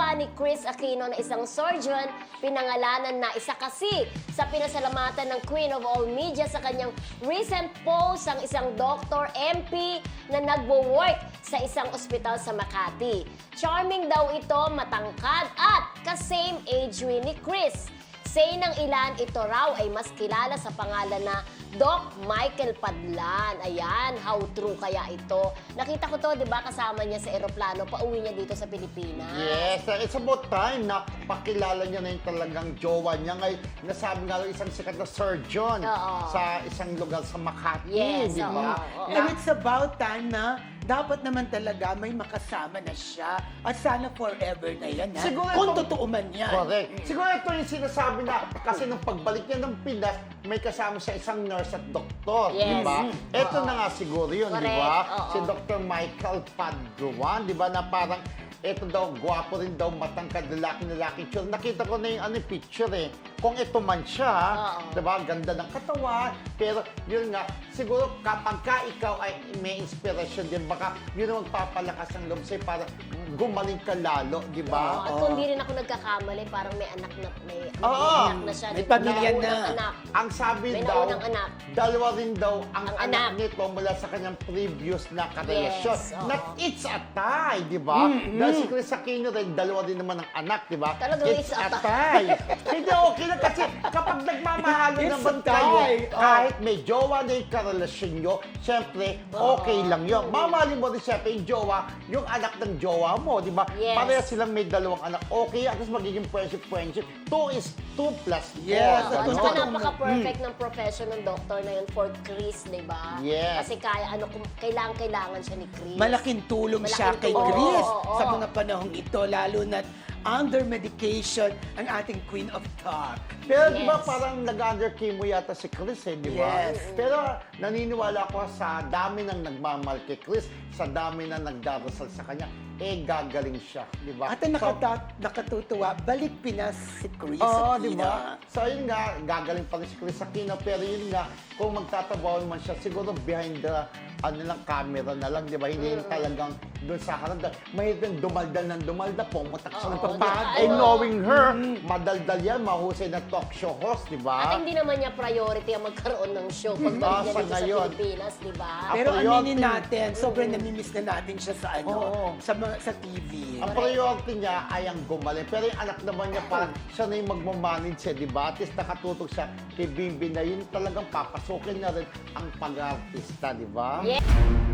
pa ni Chris Aquino na isang surgeon, pinangalanan na isa kasi sa pinasalamatan ng Queen of All Media sa kanyang recent post ang isang doktor MP na nagwo-work sa isang ospital sa Makati. Charming daw ito, matangkad at ka-same age rin ni Chris. Say ng ilan, ito raw ay mas kilala sa pangalan na Doc Michael Padlan. Ayan, how true kaya ito? Nakita ko to, di ba, kasama niya sa eroplano, pauwi niya dito sa Pilipinas. Yes, it's about time na pakilala niya na yung talagang jowa niya. Ngayon, nasabi nga lang isang sikat na surgeon sa isang lugar sa Makati, Yes, di ba? oo. And it's about time na dapat naman talaga may makasama na siya. At sana forever na yan, ha? Siguro Kung ito- totoo man yan. Correct. Siguro ito yung sinasabi na kasi nung pagbalik niya ng Pinas, may kasama siya isang nurse at doktor, di Yes. ba? Ito na nga siguro yun, di Correct. ba? Oo. Si Dr. Michael Padruan, di ba, na parang ito daw, gwapo rin daw, matangkad, lalaki-lalaki. Nakita ko na yung picture eh. Kung ito man siya, Oo. di ba, ganda ng katawan. Pero yun nga, siguro kapag ka ikaw ay may inspiration din, baka yun ang magpapalakas ng loob sa'yo para gumaling ka lalo, di ba? At kung di rin ako nagkakamali, parang may anak na, may Oo. anak na siya. May di ba? pamilya May unang na. anak. Ang sabi May daw, naunang anak. dalawa rin daw ang Ang anak anak. nito mula sa kanyang previous na karelasyon. Yes, oo. Not it's a tie, di ba? Dahil si Chris Aquino rin, dalawa din naman ang anak, di ba? Talagang it's a tie. Hindi, okay lang kasi kapag nagmamahalo It's naman a tie. kayo, Oh. kahit may jowa na yung karelasyon nyo, syempre, okay lang yun. Mamahalin mo rin syempre yung jowa, yung anak ng jowa mo, di ba? Yes. Pareha silang may dalawang anak. Okay, at least magiging friendship. 2 is 2 plus 4. Yes, Oo, at at kung saka totoo- napaka-perfect ng profession ng doktor na yun for Chris, di ba? Yes. Kasi kaya, kailangan siya ni Chris. Malaking tulong siya Malaking kay tulong. Chris Oo, sa oo. mga panahong ito, lalo na under medication ang ating Queen of Talk. Pero di ba Yes. parang nag-under chemo yata si Chris eh, di ba? Yes. Pero naniniwala ko sa dami ng nagmamahal kay Chris, sa dami ng nagdarasal sa kanya, gagaling siya, di ba? At ang nakatutuwa, balik Pinas si Chris Oo, Aquino. di ba? So yun nga, gagaling pa rin si Chris Aquino, pero yun nga, kung magtatabaw naman siya, siguro behind the camera na lang, di ba? Hindi talagang doon sa harap. Mahirap yung dumaldal, pumutak siya ng Oo, pagpahal. di ba? And knowing her, madaldal yan, mahusay na talk show host, di ba? At hindi naman niya priority ang magkaroon ng show pagbalik niya sa dito sa ngayon. Pilipinas, di ba? Pero priority. aminin natin, sobrang namimiss na natin siya sa Oo. sa TV. Ang priority niya ay ang gumaling. Pero yung anak naman niya, parang siya na yung magmamanage siya, di ba? At least nakatutok siya kay Bimbi na yun talagang papasukin na rin ang pag-artista, di ba? Yeah.